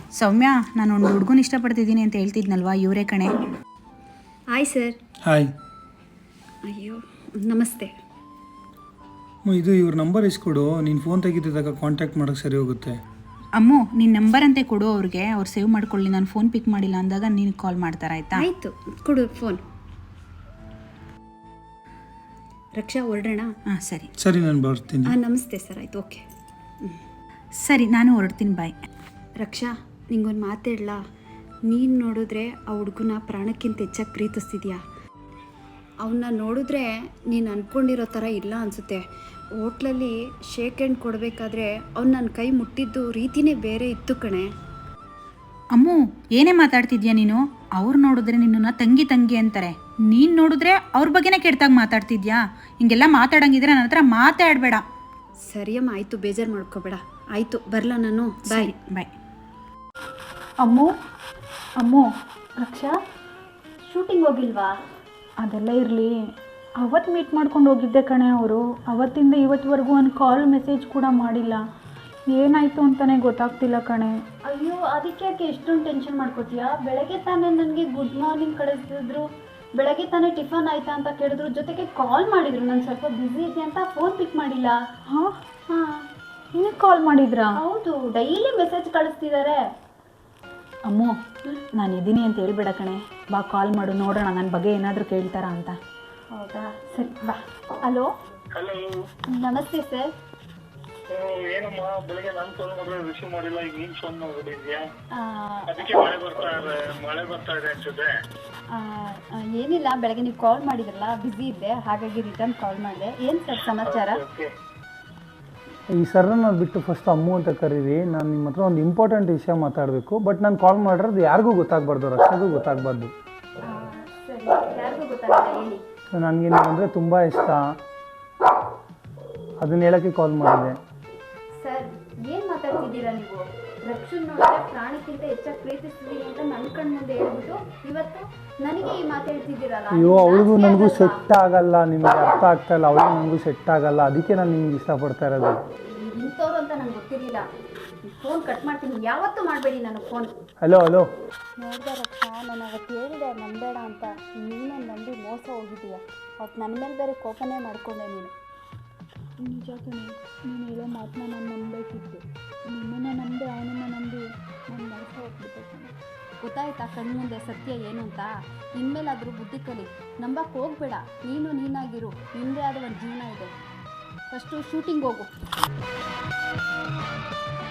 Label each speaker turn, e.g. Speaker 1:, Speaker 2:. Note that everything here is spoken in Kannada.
Speaker 1: ಸೌಮ್ಯ, ನಾನು ಒಂದು ಹುಡುಗನ ಇಷ್ಟಪಡ್ತಿದ್ದೀನಿ ಅಂತ ಹೇಳ್ತಿದ್ನಲ್ವಾ, ಇವರೇ ಕಣೆ.
Speaker 2: Hi sir.
Speaker 3: ಹಾಯ್.
Speaker 2: ಅಯ್ಯೋ ನಮಸ್ತೆ.
Speaker 3: ಇದು ಇವ್ರ ನಂಬರ್ ಇಸ್ಕೊಡು, ನೀನು ಫೋನ್ ತೆಗಿತಿದ್ದಾಗ ಕಾಂಟ್ಯಾಕ್ಟ್ ಮಾಡೋಕ್ಕೆ ಸರಿ ಹೋಗುತ್ತೆ.
Speaker 1: ಅಮ್ಮು, ನಿನ್ನ ನಂಬರ್ ಅಂತೆ ಕೊಡು ಅವ್ರಿಗೆ, ಅವ್ರು ಸೇವ್ ಮಾಡ್ಕೊಳ್ಳಿ. ನಾನು ಫೋನ್ ಪಿಕ್ ಮಾಡಿಲ್ಲ ಅಂದಾಗ ನೀನು ಕಾಲ್ ಮಾಡ್ತಾರೆ, ಆಯಿತಾ?
Speaker 2: ಆಯಿತು, ಕೊಡು ಫೋನ್. ರಕ್ಷಾ, ಹೊರಡೋಣ?
Speaker 1: ಹಾಂ ಸರಿ
Speaker 3: ಸರಿ, ನಾನು ಬರ್ತೀನಿ.
Speaker 2: ನಮಸ್ತೆ ಸರ್. ಆಯಿತು, ಓಕೆ.
Speaker 1: ಸರಿ, ನಾನು ಹೊರಡ್ತೀನಿ, ಬಾಯ್.
Speaker 2: ರಕ್ಷಾ, ನಿಂಗೊಂದು ಮಾತೇಳಲ್ಲ. ನೀನು ನೋಡಿದ್ರೆ ಆ ಹುಡುಗನ ಪ್ರಾಣಕ್ಕಿಂತ ಹೆಚ್ಚಾಗಿ ಪ್ರೀತಿಸ್ತಿದ್ಯಾ. ಅವನ್ನ ನೋಡಿದ್ರೆ ನೀನು ಅಂದ್ಕೊಂಡಿರೋ ಥರ ಇಲ್ಲ ಅನಿಸುತ್ತೆ. ಹೋಟ್ಲಲ್ಲಿ ಶೇಕ್ ಹ್ಯಾಂಡ್ ಕೊಡಬೇಕಾದ್ರೆ ಅವ್ನು ನನ್ನ ಕೈ ಮುಟ್ಟಿದ್ದು ರೀತಿನೇ ಬೇರೆ ಇತ್ತು ಕಣೆ.
Speaker 1: ಅಮ್ಮು, ಏನೇ ಮಾತಾಡ್ತಿದ್ಯಾ ನೀನು? ಅವ್ರು ನೋಡಿದ್ರೆ ನಿನ್ನನ್ನು ತಂಗಿ ತಂಗಿ ಅಂತಾರೆ, ನೀನು ನೋಡಿದ್ರೆ ಅವ್ರ ಬಗ್ಗೆನೇ ಕೆಡ್ತಾಗ ಮಾತಾಡ್ತಿದ್ಯಾ. ಹಿಂಗೆಲ್ಲ ಮಾತಾಡಂಗಿದ್ರೆ ನನ್ನ ಹತ್ರ ಮಾತಾಡಬೇಡ.
Speaker 2: ಸರಿಯಮ್ಮ, ಆಯಿತು, ಬೇಜಾರು ಮಾಡ್ಕೋಬೇಡ. ಆಯಿತು, ಬರಲ್ಲ ನಾನು. ಬಾಯ್
Speaker 1: ಬಾಯ್.
Speaker 4: ಅಮ್ಮು, ಅಮ್ಮು.
Speaker 2: ರಕ್ಷಾ, ಶೂಟಿಂಗ್ ಹೋಗಿಲ್ವಾ?
Speaker 4: ಅದೆಲ್ಲ ಇರಲಿ, ಅವತ್ತು ಮೀಟ್ ಮಾಡ್ಕೊಂಡು ಹೋಗಿದ್ದೆ ಕಣೆ ಅವರು. ಅವತ್ತಿಂದ ಇವತ್ತುವರೆಗೂ ಒಂದು ಕಾಲ್ ಮೆಸೇಜ್ ಕೂಡ ಮಾಡಿಲ್ಲ. ಏನಾಯಿತು ಅಂತಲೇ ಗೊತ್ತಾಗ್ತಿಲ್ಲ ಕಣೆ.
Speaker 2: ಅಯ್ಯೋ, ಅದಕ್ಕೆ ಯಾಕೆ ಎಷ್ಟೊಂದು ಟೆನ್ಷನ್ ಮಾಡ್ಕೋತೀಯಾ? ಬೆಳಗ್ಗೆ ತಾನೇ ನನಗೆ ಗುಡ್ ಮಾರ್ನಿಂಗ್ ಕಳಿಸಿದ್ರು, ಬೆಳಗ್ಗೆ ತಾನೇ ಟಿಫನ್ ಆಯಿತಾ ಅಂತ ಕೇಳಿದ್ರು, ಜೊತೆಗೆ ಕಾಲ್ ಮಾಡಿದರು. ನಾನು ಸ್ವಲ್ಪ ಬ್ಯುಸಿ ಇದ್ದೆ ಅಂತ ಫೋನ್ ಪಿಕ್ ಮಾಡಿಲ್ಲ.
Speaker 4: ಹಾಂ
Speaker 2: ಹಾಂ,
Speaker 4: ನಿನಗೆ ಕಾಲ್ ಮಾಡಿದ್ರಾ?
Speaker 2: ಹೌದು, ಡೈಲಿ ಮೆಸೇಜ್ ಕಳಿಸ್ತಿದ್ದಾರೆ.
Speaker 4: ಅಮ್ಮು, ನಾನು ಇದ್ದೀನಿ ಅಂತ ಹೇಳ್ಬೇಡ ಕಣೆ. ಬಾ, ಕಾಲ್ ಮಾಡು, ನೋಡೋಣ ನನ್ನ ಬಗ್ಗೆ ಏನಾದರೂ ಕೇಳ್ತಾರಾ ಅಂತ.
Speaker 2: ಹೌದಾ, ಸರಿ ಬಾ. ಹಲೋ.
Speaker 5: ಹಲೋ,
Speaker 2: ನಮಸ್ತೆ ಸರ್.
Speaker 5: ಏನಮ್ಮ ಬೆಳಗ್ಗೆ ನಾನು ಫೋನ್ ಮಾಡಿದ್ರೆ ರಿಸೀವ್ ಮಾಡಿಲ್ಲ, ಈಗ ನೀನ್ ಫೋನ್ ಮಾಡ್ಬಿಟ್ಟಿದ್ಯಾ? ಅದಕ್ಕೆ ಮಳೆ ಬರ್ತಾ ಇದೆ ಅನ್ಸುತ್ತೆ.
Speaker 2: ಏನಿಲ್ಲ, ಬೆಳಗ್ಗೆ ನೀವು ಕಾಲ್ ಮಾಡಿದ್ರಲ್ಲ, ಬ್ಯುಸಿ ಇದ್ದೆ, ಹಾಗಾಗಿ ರಿಟರ್ನ್ ಕಾಲ್ ಮಾಡಿದೆ. ಏನು ಸರ್ ಸಮಾಚಾರ?
Speaker 3: ಈ ಸರ್ನ ಬಿಟ್ಟು ಫಸ್ಟ್ ಅಮ್ಮು ಅಂತ ಕರೀರಿ. ನಾನು ನಿಮ್ಮ ಹತ್ರ ಒಂದು ಇಂಪಾರ್ಟೆಂಟ್ ವಿಷಯ ಮಾತಾಡಬೇಕು. ಬಟ್ ನಾನು ಕಾಲ್ ಮಾಡಿರೋದು ಯಾರಿಗೂ ಗೊತ್ತಾಗಬಾರ್ದು, ರಕ್ಷೆಗೂ ಗೊತ್ತಾಗಬಾರ್ದು.
Speaker 2: ಸರಿ, ಯಾರಿಗೂ ಗೊತ್ತಾಗಲ್ಲ, ಹೇಳಿ.
Speaker 3: ನನಗೆ ನೀವು ಅಂದರೆ ತುಂಬ ಇಷ್ಟ, ಅದನ್ನ ಹೇಳೋಕ್ಕೆ ಕಾಲ್ ಮಾಡಿದೆ.
Speaker 2: ಸರ್, ಏನು ಮಾತಾಡ್ತಿದ್ದೀರಾ ನೀವು? ರಕ್ಷನ್ ನೋಡಿದ್ರೆ ಪ್ರಾಣಕ್ಕಿಂತ ಹೆಚ್ಚಾಗಿ ಪ್ರೀತಿಸ್ತೀನಿ ಅಂತ ನನ್ನ ಕಣ್ಣು ಮುಂದೆ ಹೇಳ್ಬಿಟ್ಟು ಇವತ್ತು ನನಗೆ ಈ ಮಾತಾಡ್ತಿದ್ದೀರಲ್ಲ.
Speaker 3: ಅಯ್ಯೋ, ಅವಳಿಗೂ ನನಗೂ ಸೆಟ್ ಆಗಲ್ಲ, ನಿಮಗೆ ಅರ್ಥ ಆಗ್ತಾ ಇಲ್ಲ. ಅವಳಿಗೂ ನನಗೂ ಸೆಟ್ ಆಗಲ್ಲ, ಅದಕ್ಕೆ ನಾನು ನಿಮ್ಗೆ ಇಷ್ಟಪಡ್ತಾ ಇರೋದು.
Speaker 2: ಇಂಥವ್ರು ಅಂತ ನಂಗೆ ಗೊತ್ತಿರಲಿಲ್ಲ. ಫೋನ್ ಕಟ್ ಮಾಡ್ತೀನಿ, ಯಾವತ್ತೂ ಮಾಡಬೇಡಿ ನನಗೆ ಫೋನ್.
Speaker 3: Hello hello.
Speaker 2: ನೋಡಿದೆ ರಕ್ಷಾ, ನಾನು ಅವತ್ತು ಹೇಳಿದೆ ನಂಬೇಡ ಅಂತ, ನೀನೇ ನಂಬಿ ಮೋಸ ಹೋಗಿದ್ದೀಯ. ಅವತ್ತು ನನ್ನ ಮೇಲೆ ಬೇರೆ ಕೋಪನೇ ಮಾಡ್ಕೊಂಡೆ ನೀನು.
Speaker 4: ನಿಜ ಕಣೆ, ನೀನು ಹೇಳೋ ಮಾತನ್ನ ನಾನು ನಂಬಬೇಕಿತ್ತು. ನಿನ್ನನ್ನು ನಂಬಿ ಅವನನ್ನು ನಂಬಿ ನಾನು ಮನಸ್ಸು ಹೋಗ್ಬಿಟ್ಟೆ ಕಣೆ.
Speaker 2: ಗೊತ್ತಾಯ್ತಾ ಕಣ್ಣು ಮುಂದೆ ಸತ್ಯ ಏನು ಅಂತ? ಇನ್ಮೇಲಾದರೂ ಬುದ್ಧಿ ಕಲಿ, ನಂಬಕ್ಕೆ ಹೋಗಬೇಡ. ನೀನು ನೀನಾಗಿರು, ನಿಂದೇ ಆದ ಒಂದು ಜೀವನ ಇದೆ. ಫಸ್ಟು ಶೂಟಿಂಗ್ ಹೋಗು.